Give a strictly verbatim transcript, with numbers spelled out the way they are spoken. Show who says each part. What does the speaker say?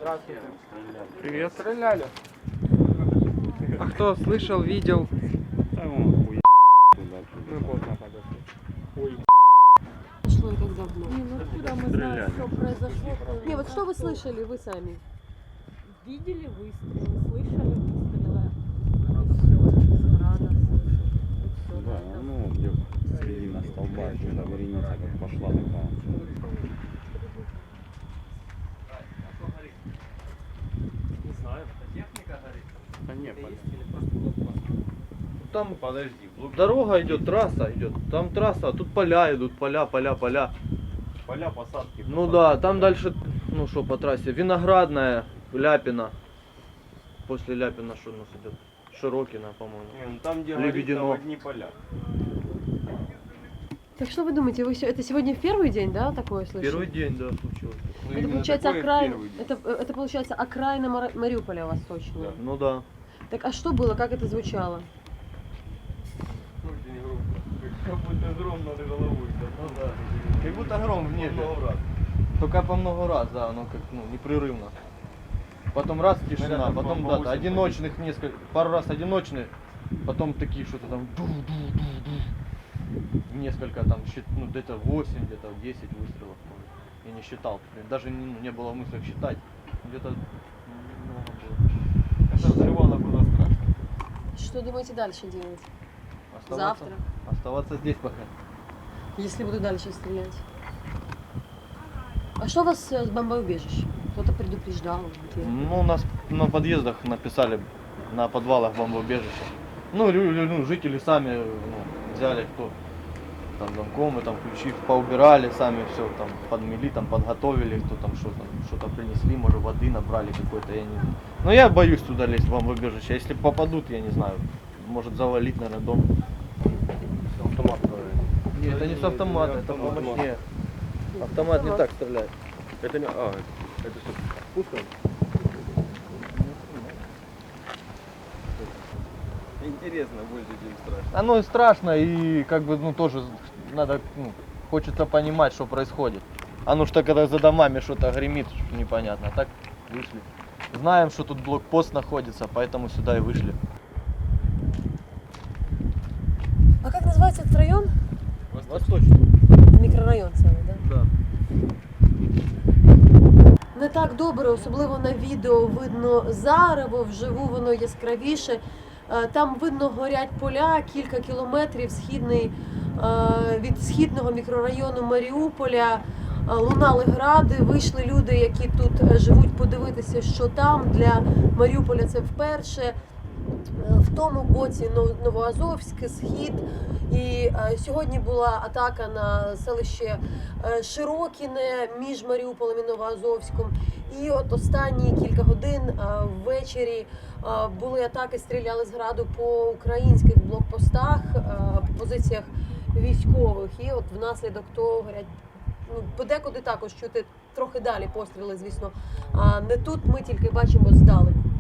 Speaker 1: Здравствуйте.
Speaker 2: Привет.
Speaker 1: Стреляли.
Speaker 2: А кто слышал, видел?
Speaker 1: Мы поздно подошли. Ой.
Speaker 3: Прошло и как давно?
Speaker 4: Не, ну откуда мы знаем, что произошло?
Speaker 3: Не, вот что вы слышали, вы сами?
Speaker 4: Видели выстрелы, слышали выстрелы. И все, с града слышали. И все.
Speaker 5: Да, ну где середина столба, когда вереница как пошла такая.
Speaker 1: Не знаю. Техника горит.
Speaker 5: Да нет, подожди.
Speaker 6: Там
Speaker 5: Подожди,
Speaker 6: дорога идет, трасса идет. Там трасса, а тут поля идут, поля, поля, поля.
Speaker 5: поля, посадки.
Speaker 6: Ну
Speaker 5: посадки,
Speaker 6: да, там
Speaker 5: поля.
Speaker 6: дальше, ну что по трассе, Виноградная, Ляпина. После Ляпина что у нас идет? Широкина, по-моему.
Speaker 5: Не, ну там где
Speaker 6: Лебедино.
Speaker 5: горит, там одни поля.
Speaker 3: Так что вы думаете, вы, се- это сегодня в первый день, да, такое слышали?
Speaker 6: Первый день, да, случилось.
Speaker 5: Ну,
Speaker 3: Это
Speaker 5: именно
Speaker 3: получается
Speaker 5: такое в
Speaker 3: окраин,
Speaker 5: первый день.
Speaker 3: это, это получается окраина Мара- Мариуполя восточная.
Speaker 5: Да.
Speaker 6: Ну да.
Speaker 3: Так а что было, как это звучало?
Speaker 5: Очень громко. Как будто гром над головой.
Speaker 6: Ну да. Как будто гром в небе.
Speaker 5: Много раз.
Speaker 6: Только по много раз, да, оно как, ну, непрерывно. Потом раз тишина,
Speaker 5: Наверное,
Speaker 6: потом
Speaker 5: по- по
Speaker 6: да,
Speaker 5: восемь
Speaker 6: одиночных несколько, пару раз одиночных, потом такие что-то там ду-ду-ду-ду. Несколько там, счит- ну где-то восемь, где-то десять выстрелов, может. Я не считал, блин, даже не, ну, не было мысли считать. Где-то много было.
Speaker 5: Это взрывало было страшно.
Speaker 3: Что думаете дальше делать?
Speaker 6: Оставаться,
Speaker 3: Завтра?
Speaker 6: оставаться здесь пока.
Speaker 3: Если буду дальше стрелять. А что у вас э, с бомбоубежищем? Кто-то предупреждал? Где?
Speaker 6: Ну, у нас на подъездах написали, на подвалах бомбоубежище. Ну, лю- лю- ну, жители сами ну, взяли, кто там замкомы, там ключи поубирали, сами все там подмели, там подготовили, кто там что-то что-то принесли, может воды набрали какой-то, я не знаю. Но я боюсь туда лезть в бомбоубежище. Если попадут, я не знаю, может завалить, наверное, дом.
Speaker 5: Автомат.
Speaker 6: Нет, это не с автомата, это помощнее. Автомат не так стреляет.
Speaker 5: Это не... А, это что, пушка? Интересно больше, чем страшно.
Speaker 6: Оно и страшно, и как бы, ну, тоже надо, ну, хочется понимать, что происходит. А ну что, когда за домами что-то гремит, непонятно. А так вышли. Знаем, что тут блокпост находится, поэтому сюда и вышли.
Speaker 3: А как называется этот район?
Speaker 6: Восточный.
Speaker 3: Мікрорайон целый, да?
Speaker 6: Да.
Speaker 3: Не так добре, особливо на відео видно зарево, вживу воно яскравіше. Е, Там видно горять поля, кілька кілометрів східний, е, від східного мікрорайону Маріуполя. Е, Лунали гради, вийшли люди, які тут е, живуть, подивитися, що там. Для Маріуполя це вперше. Е, В тому боці Нов- Новоазовськ, Схід. І е, сьогодні була атака на селище е, Широкіне між Маріуполем і Новоазовськом. І от останні кілька годин е, ввечері е, були атаки, стріляли з граду по українських блокпостах, е, по позиціях військових. І от внаслідок того горять, ну, подекуди також чути трохи далі постріли, звісно. А не тут, ми тільки бачимо здалеку.